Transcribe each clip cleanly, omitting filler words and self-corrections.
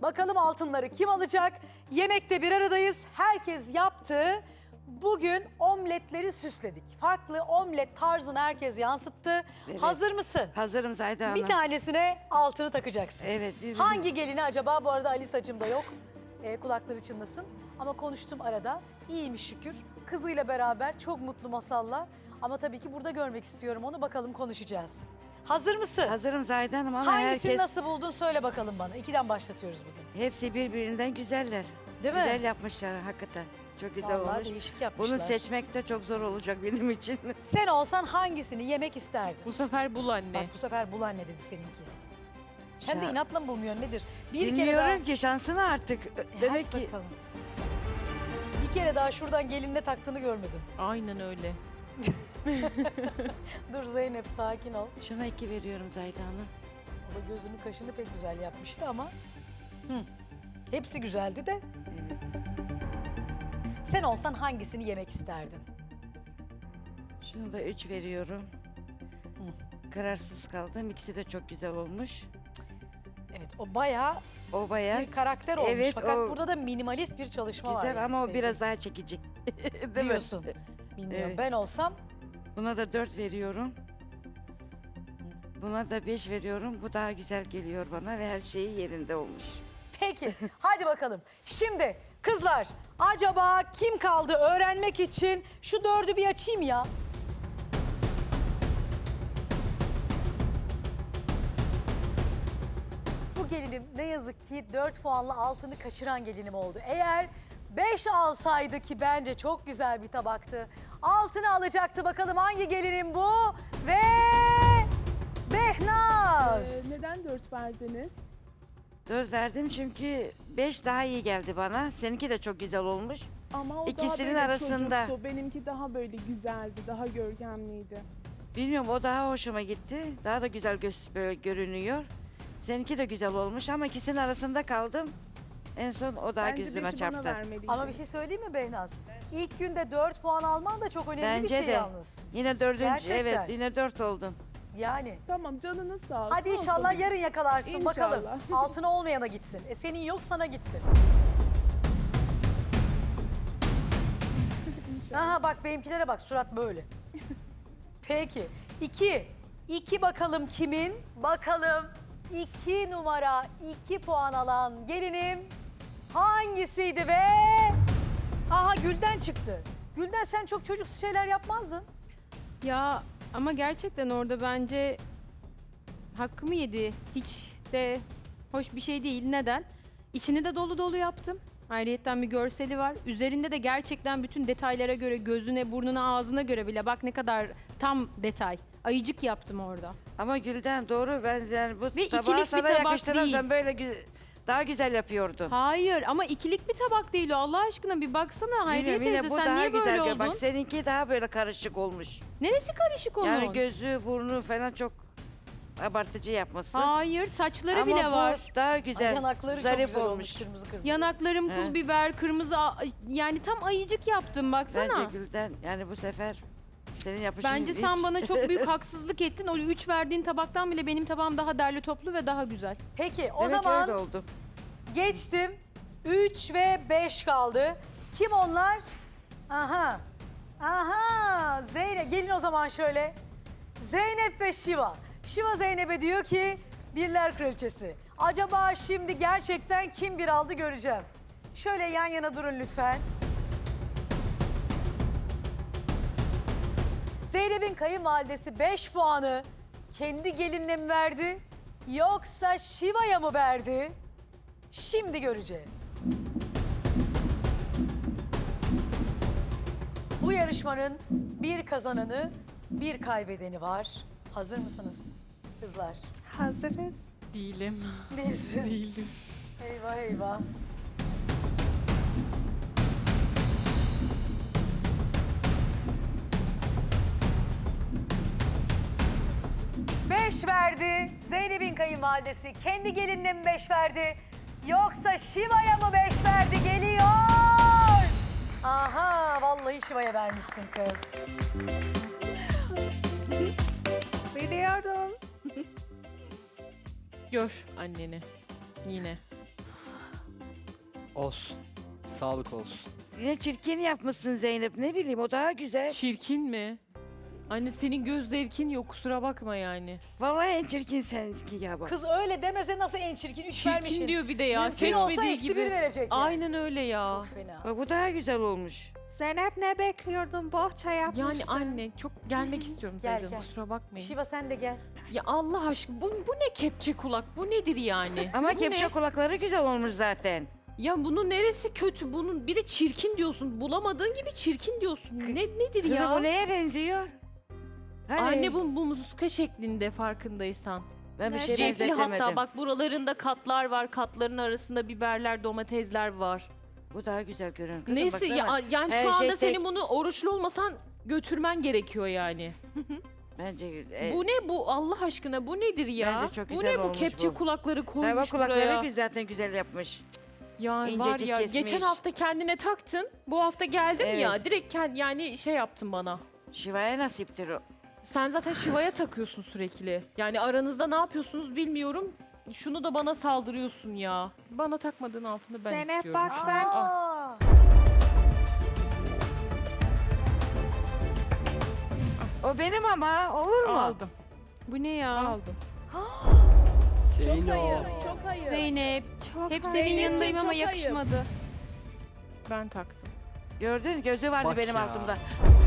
Bakalım altınları kim alacak? Yemekte bir aradayız. Herkes yaptı. Bugün omletleri süsledik. Farklı omlet tarzını herkes yansıttı. Evet. Hazır mısın? Hazırım Zahide Hanım. Bir tanesine altını takacaksın. Evet. Hangi gelini acaba? Bu arada Alisa'cığım da yok. Kulakları çınlasın. Ama konuştum arada. İyiymiş şükür. Kızıyla beraber çok mutlu masallar. Ama tabii ki burada görmek istiyorum onu. Bakalım konuşacağız. Hazır mısın? Hazırım Zahide Hanım ama Hangisini herkes... nasıl buldun söyle bakalım bana. 2'den başlatıyoruz bugün. Hepsi birbirinden güzeller. Değil mi? Güzel yapmışlar hakikaten. Çok güzel Vallahi olmuş. değişik yapmışlar. Bunu seçmek de çok zor olacak benim için. Sen olsan hangisini yemek isterdin? Bu sefer bul anne. Bak bu sefer bul anne dedi seninki. Hem de inatla mı bulmuyor nedir? Bir kere Bilmiyorum daha... ki şansını artık. Demek Hadi ki bakalım. Bir kere daha şuradan gelinle taktığını görmedim. Aynen öyle. Dur Zeynep sakin ol. şuna 2 veriyorum Zahide Hanım. O da gözünü kaşını pek güzel yapmıştı ama. Hepsi güzeldi de. Evet. Sen olsan hangisini yemek isterdin? Şunu da 3 veriyorum. Kararsız kaldım. İkisi de çok güzel olmuş. Evet o bayağı O bayağı bir karakter olmuş. Evet, Fakat o burada da minimalist bir çalışma var. güzel yani ama o sevgili. biraz daha çekici. Değil mi? Diyorsun. Bilmiyorum. Evet. Ben olsam Buna da 4 veriyorum. Buna da 5 veriyorum. Bu daha güzel geliyor bana ve her şeyi yerinde olmuş. peki hadi bakalım. Şimdi kızlar acaba kim kaldı öğrenmek için şu 4'ü bir açayım ya. Bu gelinim ne yazık ki 4 puanla altını kaçıran gelinim oldu. Eğer 5 alsaydı ki bence çok güzel bir tabaktı. Altını alacaktı bakalım hangi gelinim bu? Ve Behnaz. Neden 4 verdiniz? 4 verdim çünkü 5 daha iyi geldi bana. Seninki de çok güzel olmuş. Ama o İkisinin daha böyle arasında. çocuksu, benimki daha böyle güzeldi, daha görkemliydi. Bilmiyorum o daha hoşuma gitti. Daha da güzel böyle görünüyor. Seninki de güzel olmuş ama ikisinin arasında kaldım. En son o daha Bence gözüme 5'i bana çarptı. vermeliydin. Ama bir şey söyleyeyim mi Behnaz? İlk günde 4 puan alman da çok önemli bir Bence şey de. yalnız. Yine 4. Gerçekten. Evet yine 4 oldun. Yani. Tamam canınız sağ olsun. Hadi olsun. inşallah yarın yakalarsın İnşallah. bakalım. Altına olmayana gitsin. Senin yok sana gitsin. İnşallah. Aha bak benimkilere bak surat böyle. Peki. 2. 2 bakalım kimin? Bakalım 2 numara 2 puan alan gelinim hangisiydi ve... Aha Gülden çıktı. Gülden sen çok çocuksu şeyler yapmazdın. Ya ama gerçekten orada bence hakkımı yedi. Hiç de hoş bir şey değil. Neden? İçini de dolu dolu yaptım. Ayrıyetten bir görseli var. Üzerinde de gerçekten bütün detaylara göre, gözüne, burnuna, ağzına göre bile bak ne kadar tam detay. Ayıcık yaptım orada. Ama Gülden doğru ben yani bu Ve tabağı ikilik bir sana tabak yakıştıran değil. sen böyle daha güzel yapıyordun. Hayır ama ikilik bir tabak değil o. Allah aşkına bir baksana Hayriye Bilmiyorum, yine teyze bu sen daha niye güzel böyle gör. oldun? Bak seninki daha böyle karışık olmuş. Neresi karışık onun? Yani gözü, burnu falan çok abartıcı yapması. Hayır saçları Ama bile bu var. daha güzel. Ay, yanakları çok zarif güzel olmuş kırmızı kırmızı. Yanaklarım He. pul biber, kırmızı yani tam ayıcık yaptım baksana. Bence Gülden yani bu sefer senin yapışın Bence hiç... sen bana çok büyük haksızlık ettin. O 3 verdiğin tabaktan bile benim tabağım daha derli toplu ve daha güzel. Peki o Demek zaman öyle oldu. geçtim. 3 ve 5 kaldı. Kim onlar? Aha. Aha. Zeynep. Gelin o zaman şöyle. Zeynep ve Şiva. Şiva Zeynep'e diyor ki birler kraliçesi. Acaba şimdi gerçekten kim bir aldı göreceğim. Şöyle yan yana durun lütfen. Zeynep'in kayınvalidesi 5 puanı kendi gelinine mi verdi yoksa Şiva'ya mı verdi? Şimdi göreceğiz. Bu yarışmanın bir kazananı, bir kaybedeni var. Hazır mısınız kızlar? Hazırız. Değilim. Değilsin. Değilim. Eyvah eyvah. Beş verdi. Zeynep'in kayınvalidesi kendi gelinine mi 5 verdi? Yoksa Şiva'ya mı 5 verdi? Geliyor. Aha vallahi Şiva'ya vermişsin kız. Biliyordum. Gör anneni. Yine. Olsun. Sağlık olsun. Yine çirkin yapmışsın Zeynep. Ne bileyim o daha güzel. Çirkin mi? Anne senin göz zevkin yok kusura bakma yani. Vallahi en çirkin seninki ya bak. Kız öyle demese nasıl en çirkin? 3 vermişsin. Çirkin diyor bir de ya. Mümkün olsa Seçmediği eksi gibi. 1 verecek yani. Aynen öyle ya. Çok fena. Bak bu daha güzel olmuş. Zeynep ne bekliyordun? Bohça yapmışsın. Yani anne çok gelmek istiyorum Gel, zaten gel. kusura bakmayın. Şiva sen de gel. Ya Allah aşkına bu ne kepçe kulak bu nedir yani? Ama Bu kepçe ne? kulakları güzel olmuş zaten. Ya bunun neresi kötü bunun bir de çirkin diyorsun bulamadığın gibi çirkin diyorsun. Nedir Kızım ya? bu neye benziyor? Hani Anne bu muska şeklinde farkındaysan. ben bir şey Cepli benzetemedim. hatta bak buralarında katlar var. Katların arasında biberler, domatesler var. Bu daha güzel görünüyor. Kızım Neyse baksana. ya, yani Her şu anda şey tek. senin bunu oruçlu olmasan götürmen gerekiyor yani. Bence Bu ne bu Allah aşkına bu nedir ya? Bence çok bu güzel ne bu olmuş kepçe bu. kulakları Tabii koymuş kulakları buraya. zaten güzel yapmış. Ya var İncecik ya kesmiş. geçen hafta kendine taktın. Bu hafta geldim Evet. ya direkt yani şey yaptın bana. Şivaya nasiptir o. Sen zaten Şiva'ya takıyorsun sürekli. Yani aranızda ne yapıyorsunuz bilmiyorum. Şunu da bana saldırıyorsun ya. Bana takmadığın altını ben Zeynep istiyorum. bak ben Aa, O benim ama olur mu? Aldım. Bu ne ya? Aldım. Çok Zeyno. ayıp, çok ayıp. Zeynep. çok Hep senin hayır. yanındayım ama Çok ayıp. yakışmadı. Ben taktım. Gördün gözü vardı Bak benim ya. altımda.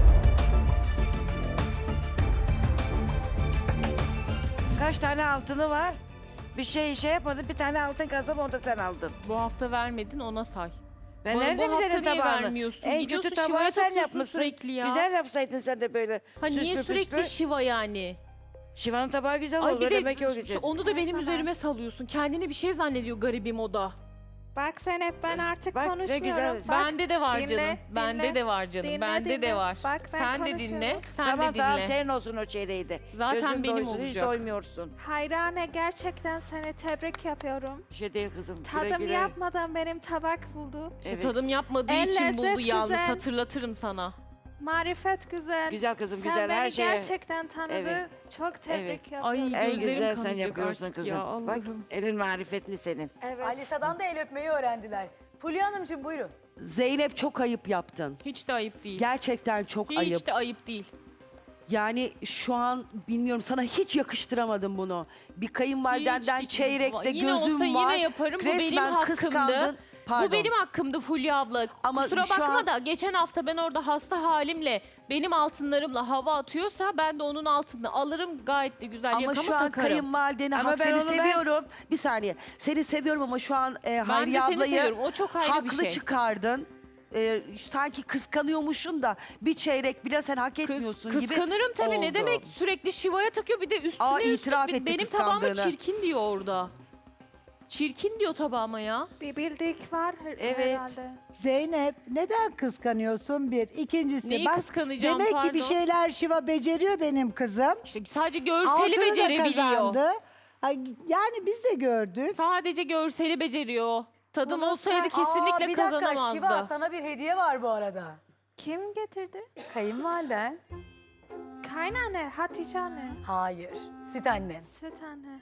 Kaç tane altını var? Bir şey yapmadın bir tane altın kazan onu da sen aldın. Bu hafta vermedin ona say. Ben Bu nerede hafta senin niye tabağını? vermiyorsun? En Gidiyorsun kötü Şiva'ya tabağı sen takıyorsun yapmışsın. sürekli ya. Güzel yapsaydın sen de böyle Ha niye süslü sürekli püslü. Şiva yani? Şivan'ın tabağı güzel Ay oldu bir de demek ki o güzel. onu da Her benim zaman. üzerime salıyorsun. Kendini bir şey zannediyor garibim o da. Bak Zeynep ben artık Bak, ne konuşmuyorum. güzel. Bak, Bende de var dinle, canım. Bende dinle, de var canım. dinle, Bende dinle. de var. Bak, ben sen de konuşuyorum. dinle. Sen Tamam de tamam dinle. senin olsun o çeyreği de. Zaten Gözün benim doysun, hiç olacak. doymuyorsun. Hayrane gerçekten seni tebrik yapıyorum. Bir şey değil kızım. Güle Tadım güle. yapmadan benim tabak buldu. İşte Evet. tadım yapmadığı En için buldu lezzet yalnız. güzel. Hatırlatırım sana. Marifet güzel. Güzel kızım Sen güzel beni her şeye. gerçekten tanıdı. Evet. Çok tebrik Ay yapıyorum. En gözlerim güzel sen kanayacak yapıyorsun artık kızım. ya Bak Allah'ım. elin marifetli senin. Evet. Alisa'dan da el öpmeyi öğrendiler. Fulya Hanımcığım buyurun. Zeynep çok ayıp yaptın. Hiç de ayıp değil. Gerçekten çok Hiç ayıp. de ayıp değil. Yani şu an bilmiyorum sana hiç yakıştıramadım bunu. Bir kayınvalidenden Hiç- çeyrekte yine gözüm olsa var. yine yaparım. Bu benim Resmen hakkımdı. kıskandın. Pardon. Bu benim hakkımdı Fulya abla. Ama Kusura şu bakma an- da geçen hafta ben orada hasta halimle benim altınlarımla hava atıyorsa ben de onun altını alırım gayet de güzel Ama yakamı şu an takarım. kayınvalideni Ama hak ben seni onu seviyorum. Bir saniye. Seni seviyorum ama şu an Ben de Hayriye seni ablayı seviyorum. O çok ayrı bir haklı şey. çıkardın. Sanki kıskanıyormuşsun da bir çeyrek bile sen hak etmiyorsun gibi Kıskanırım tabii ne oldu. demek sürekli Şiva'ya takıyor bir de üstüne Aa, üstlük itiraf etti benim tabağıma kıskandığını. çirkin diyor orada. Çirkin diyor tabağıma ya. Bir bildik var Evet. herhalde. Zeynep neden kıskanıyorsun bir? İkincisi Neyi bak kıskanacağım, demek ki bir pardon? şeyler Şiva beceriyor benim kızım. İşte sadece görseli Altını da becerebiliyor. kazandı. Ay, yani biz de gördük. Sadece görseli beceriyor. Tadım Bunu olsaydı sen- kesinlikle bir dakika kazanamazdı. Şiva sana bir hediye var bu arada. Kim getirdi? Kayınvaliden. Kaynanne, Hatice anne, Hayır. Süt annen. süt anne.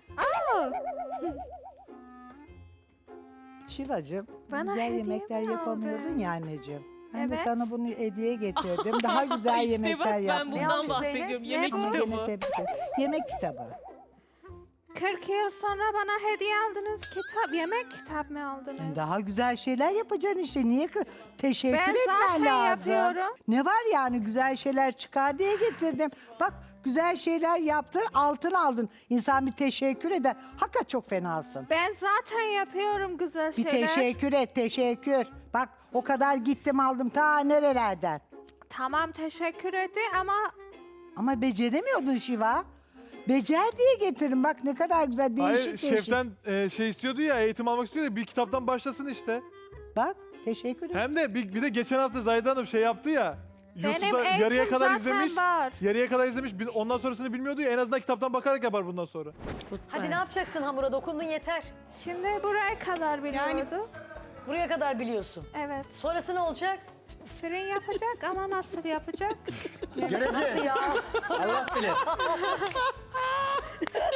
Şivacığım Bana güzel hediye yemekler mi yapamıyordun aldın? ya anneciğim. Ben de Evet. sana bunu hediye getirdim. Daha güzel İşte yemekler bak ben yaptım. Ne bundan yapmış bahsediyorum. Zeynep? Yemek Ne bu? Ama kitabı. yine tebrik ederim. Yemek kitabı. 40 yıl sonra bana hediye aldınız kitap, yemek kitap mı aldınız? Daha güzel şeyler yapacaksın işte. Niye teşekkür Ben etmen zaten lazım. yapıyorum. Ne var yani güzel şeyler çıkar diye getirdim. Bak güzel şeyler yaptın, altın aldın. İnsan bir teşekkür eder. Hakikaten çok fenasın. Ben zaten yapıyorum güzel Bir şeyler. teşekkür et, teşekkür. Bak o kadar gittim aldım ta nerelerden. Tamam teşekkür etti ama Ama beceremiyordun Şiva. Becer diye getirin bak ne kadar güzel değişik Hayır, değişik. şeften şey istiyordu ya, eğitim almak istiyor ya, bir kitaptan başlasın işte. Bak teşekkür ederim. Hem de bir de geçen hafta Zahide Hanım şey yaptı ya. benim YouTube'da eğitim yarıya kadar zaten izlemiş. var. Yarıya kadar izlemiş. Ondan sonrasını bilmiyordu ya. En azından kitaptan bakarak yapar bundan sonra. Hadi ne yapacaksın hamura dokundun yeter. Şimdi buraya kadar biliyordu. Buraya kadar biliyorsun. Evet. Sonrası ne olacak? Fırın yapacak ama nasıl yapacak? Nasıl ya? Allah bilir.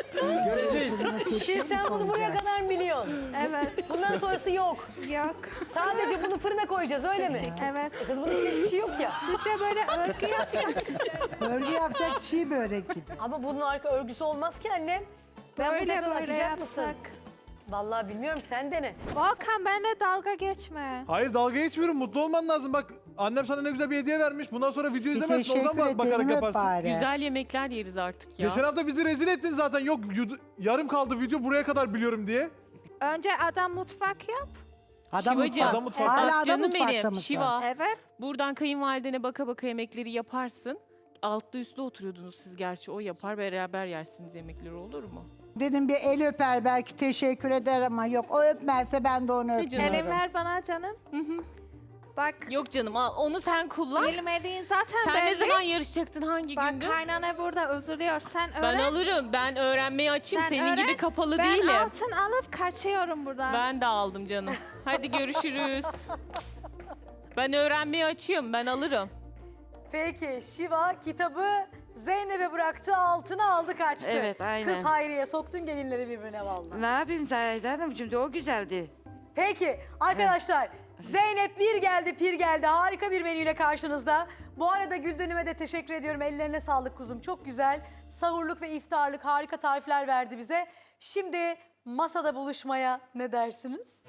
Göreceğiz. Şimdi sen bunu buraya kadar mı biliyorsun? Evet. Bundan sonrası yok. Yok. Sadece bunu fırına koyacağız öyle mi? Evet. Kız bunun için hiçbir şey yok ya. Sizce böyle örgü yapsak? Örgü yapacak çiğ börek gibi. Ama bunun arka örgüsü olmaz ki annem. Ben Böyle burada böyle açacak mısın? yapsak. Vallahi bilmiyorum sen dene. Volkan benimle dalga geçme. Hayır dalga geçmiyorum. Mutlu olman lazım. Bak annem sana ne güzel bir hediye vermiş. Bundan sonra video Bir izlemezsin. Oradan teşekkür bakarak ederim öp yaparsın. bari. Güzel yemekler yeriz artık ya. Geçen hafta bizi rezil ettin zaten. Yok yarım kaldı video buraya kadar biliyorum diye. Önce adam mutfak yap. Adam Şivacığım, mutfak. Adam mutfakta. Hala Bak adam canım mutfakta benim, mısın? Şiva. Evet. Buradan kayınvalidene baka baka yemekleri yaparsın. Altlı üstlü oturuyordunuz siz gerçi. O yapar beraber yersiniz yemekleri, olur mu? Dedim bir el öper belki teşekkür eder ama yok o öpmezse ben de onu Ne öpmem. canım? Elin ver bana canım. Bak. Yok canım al, onu sen kullan. Bilmediğin zaten Sen belli. ne zaman yarışacaktın, hangi Bak gündü? kaynana burada üzülüyor. Sen öğren. Ben alırım. Ben öğrenmeyi açayım. Sen Senin öğren. gibi kapalı ben değilim. altın alıp kaçıyorum buradan. Ben de aldım canım. Hadi görüşürüz. Ben öğrenmeyi açayım. Ben alırım. Peki Şiva kitabı Zeynep'e bıraktı, altına aldı kaçtı. Evet, aynen. Kız Hayriye soktun gelinleri birbirine vallahi. Ne yapayım Zahide Hanım, şimdi o güzeldi. Peki arkadaşlar Zeynep bir geldi pir geldi, harika bir menüyle karşınızda. Bu arada Gülden'ime de teşekkür ediyorum, ellerine sağlık kuzum, çok güzel. Sahurluk ve iftarlık harika tarifler verdi bize. Şimdi masada buluşmaya ne dersiniz?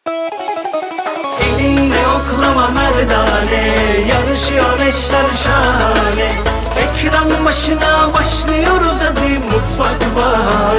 Elinle oklama merdane, yarışıyor eşler şahane. Ekran başına başlıyoruz hadi mutfak bahane.